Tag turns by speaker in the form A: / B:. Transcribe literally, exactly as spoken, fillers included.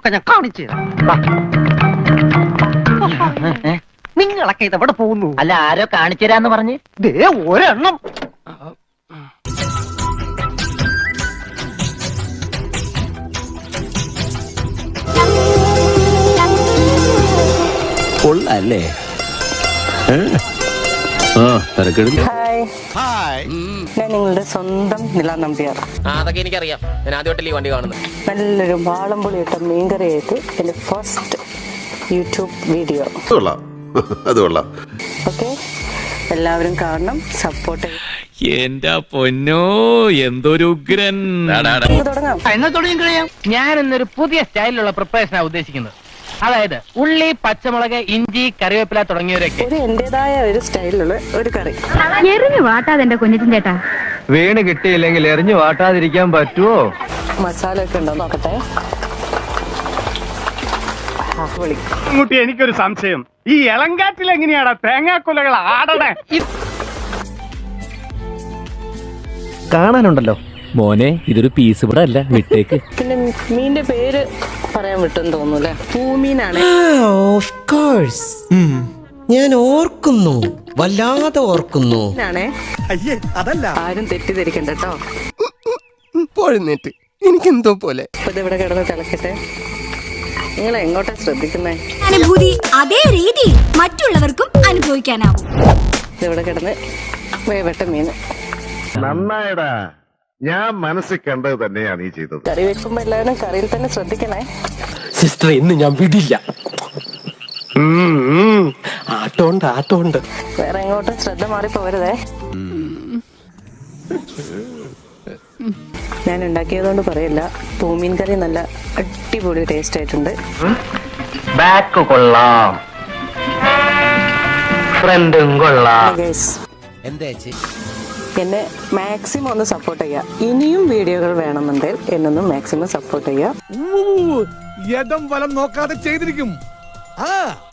A: ഒക്കെ ഞാൻ കാണിച്ചു നിങ്ങളൊക്കെ ഇതെവിടെ പോകുന്നു?
B: അല്ല, ആരോ കാണിച്ചു തരാന്ന് പറഞ്ഞ്
A: ദേ ഒരെണ്ണം.
C: കൊള്ളാല്ലേ?
D: ഹായ്, ഞാൻ നിങ്ങളുടെ സ്വന്തം നില നമ്പ്യാർ.
E: അതൊക്കെ എനിക്കറിയാം. ഞാൻ ആദ്യമായിട്ടല്ലേ വണ്ടി കാണുന്നത്.
D: നല്ലൊരു വാളംപുളി ഇട്ട മീൻകറിയായിട്ട് എൻ്റെ ഫസ്റ്റ് യൂട്യൂബ് വീഡിയോ. ഓക്കെ, എല്ലാവരും കാണണം, സപ്പോർട്ട്.
F: എന്റെ പൊന്നോ, എന്തൊരു ഉഗ്രൻ.
D: തുടങ്ങാം.
B: എന്നാ തുടങ്ങി കഴിയാം. ഞാൻ ഇന്നൊരു പുതിയ സ്റ്റൈലിലുള്ള പ്രിപ്പറേഷനാണ് ഉദ്ദേശിക്കുന്നത്. അതായത് ഉള്ളി, പച്ചമുളക്, ഇഞ്ചി, കറിവേപ്പില തുടങ്ങിയവരൊക്കെ
D: ഒരു എന്റേതായ ഒരു സ്റ്റൈലിലുള്ള ഒരു കറി.
G: എറിഞ്ഞു വാട്ടാതെ എന്റെ കുഞ്ഞിൻ ചേട്ടാ.
H: വീണ് കിട്ടിയില്ലെങ്കിൽ എറിഞ്ഞു വാട്ടാതിരിക്കാൻ പറ്റുമോ?
D: മസാല ഒക്കെ ഉണ്ടോ നോക്കട്ടെ.
I: കുട്ടി, എനിക്കൊരു സംശയം. ഈ ഇളങ്കാറ്റിൽ എങ്ങനെയാടാ തേങ്ങാക്കൊലകൾ ആടണേ?
F: കാണാനുണ്ടല്ലോ മോനെ, ഇതൊരു പീസ് ഇവിടെ അല്ല, വിട്ടേക്ക്.
D: പിന്നെ മീനിന്റെ പേര് പറയാൻ വിട്ടെന്ന് തോന്നുന്നു. പൂമീനാണ്.
J: ഞാൻ ഓർക്കുന്നു, വല്ലാതെ ഓർക്കുന്നു.
D: അതല്ല, ആരും തെറ്റിദ്ധരിക്കണ്ട കേട്ടോ.
J: പോഴുന്നേറ്റ് എനിക്കെന്തോ പോലെ.
D: അപ്പൊ ഇതിവിടെ കിടന്ന് തിളക്കട്ടെ. നിങ്ങൾ എങ്ങോട്ടാ ശ്രദ്ധിക്കുന്നേ?
G: അനുഭൂതി അതേ രീതി മറ്റുള്ളവർക്കും അനുഭവിക്കാനാവും.
D: ഇതിവിടെ കിടന്ന് വേവട്ട മീൻ
K: നന്നായടാ. ഞാൻ മനസ്സിൽ കണ്ടത് തന്നെയാണ് ഈ ചെയ്തത്.
D: കറി വെക്കുമ്പോ എല്ലാവരും കറിയിൽ തന്നെ ശ്രദ്ധിക്കണേ.
C: സിസ്റ്റർ, ഇന്ന് ഞാൻ വിടില്ല. ആട്ടോണ്ട് ആട്ടോണ്ട്
D: വേറെ എങ്ങോട്ടും ശ്രദ്ധ മാറി പോരുതേ. ഞാൻ ഉണ്ടാക്കിയതുകൊണ്ട് പറയില്ല, പൂമീൻ കറി നല്ല അടിപൊളി ടേസ്റ്റ് ആയിട്ടുണ്ട്.
B: ബാക്ക് കൊള്ളാം, ഫ്രണ്ടും കൊള്ളാം.
J: എന്താ
D: എന്നെ മാക്സിമം ഒന്ന് സപ്പോർട്ട് ചെയ്യുക. ഇനിയും വീഡിയോകൾ വേണമെന്നുണ്ടെങ്കിൽ എന്നൊന്നും മാക്സിമം സപ്പോർട്ട് ചെയ്യുക.
I: യഥം വലം നോക്കാതെ ചെയ്തിരിക്കും. ആ